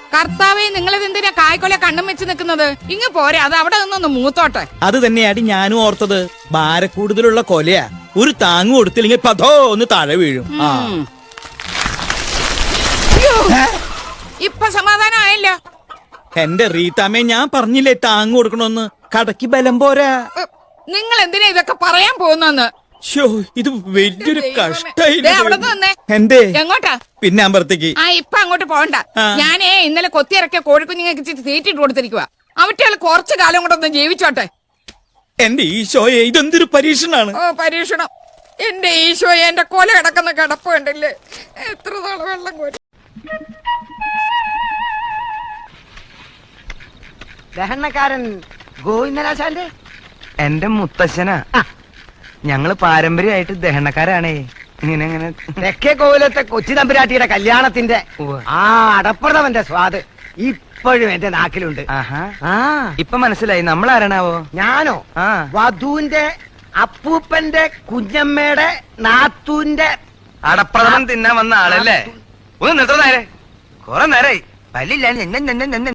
കർത്താവെ, നിങ്ങളിത് എന്തിനാ കായ്ക്കൊല കണ്ണും വെച്ച് നിൽക്കുന്നത്? ഇങ്ങ് പോരെ, അത് അവിടെ നിന്നൊന്ന് മൂത്തോട്ടെ. അത് തന്നെയാടി ഞാനും ഓർത്തത്. ഭാരക്കൂടുതലുള്ള കൊലയാ. ഒരു താങ്ങ് കൊടുത്തില്ലെങ്കിൽ പതോ ഒന്ന് താഴെ വീഴും. അയ്യോ, ഇപ്പൊ സമാധാനമായല്ലോ. എന്റെ റീത്താമ്മേ, ഞാൻ പറഞ്ഞില്ലേ താങ്ങ് കൊടുക്കണമെന്ന്. കടക്ക് ബലം പോരാ. നിങ്ങൾ എന്തിനാ ഇതൊക്കെ പറയാൻ പോകുന്നെന്ന്? ഇത് വലിയൊരു കഷ്ടായി. അവിടെ നിന്നേ. എന്തേ? എങ്ങോട്ടാ? പിന്നെ അമ്പലത്തേക്ക്. ഇപ്പൊ അങ്ങോട്ട് പോകണ്ട. ഞാനേ ഇന്നലെ കൊത്തിയിറക്കിയ കോഴിക്കുഞ്ഞുങ്ങൾക്ക് ഇച്ചിരി തീറ്റിട്ട് കൊടുത്തിരിക്കുക. അവറ്റകൾ കുറച്ചു കാലം കൊണ്ടൊന്ന് ജീവിച്ചോട്ടെ. എന്റെ ഈശോയെ, ഇതെന്തൊരു പരീക്ഷണാണ്. പരീക്ഷണം. എന്റെ ഈശോയെ, എന്റെ കൊല കിടക്കുന്ന കിടപ്പ് കണ്ടില്ലേ? എത്ര നാളെ വെള്ളം കോരി. ദഹനക്കാരൻ ഗോവിന്ദനാശാന്റെ എന്റെ മുത്തശ്ശനാ. ഞങ്ങള് പാരമ്പര്യമായിട്ട് ദഹനക്കാരാണേ. ഇങ്ങനെ തെക്കേ കോവിലത്തെ കൊച്ചി തമ്പുരാട്ടിയുടെ കല്യാണത്തിന്റെ അടപ്രഥമന്റെ സ്വാദ് ഇപ്പോഴും എന്റെ നാക്കിലുണ്ട്. ഇപ്പൊ മനസ്സിലായി നമ്മളാരണാവോ? ഞാനോ? വധുവിന്റെ അപ്പൂപ്പന്റെ കുഞ്ഞമ്മയുടെ നാത്തൂന്റെ അടപ്രഥമൻ തിന്നാൻ വന്ന ആളല്ലേ? ഒന്ന് നിർത്തുന്ന നേരെ കുറെ നേരായി പല്ലില്ല.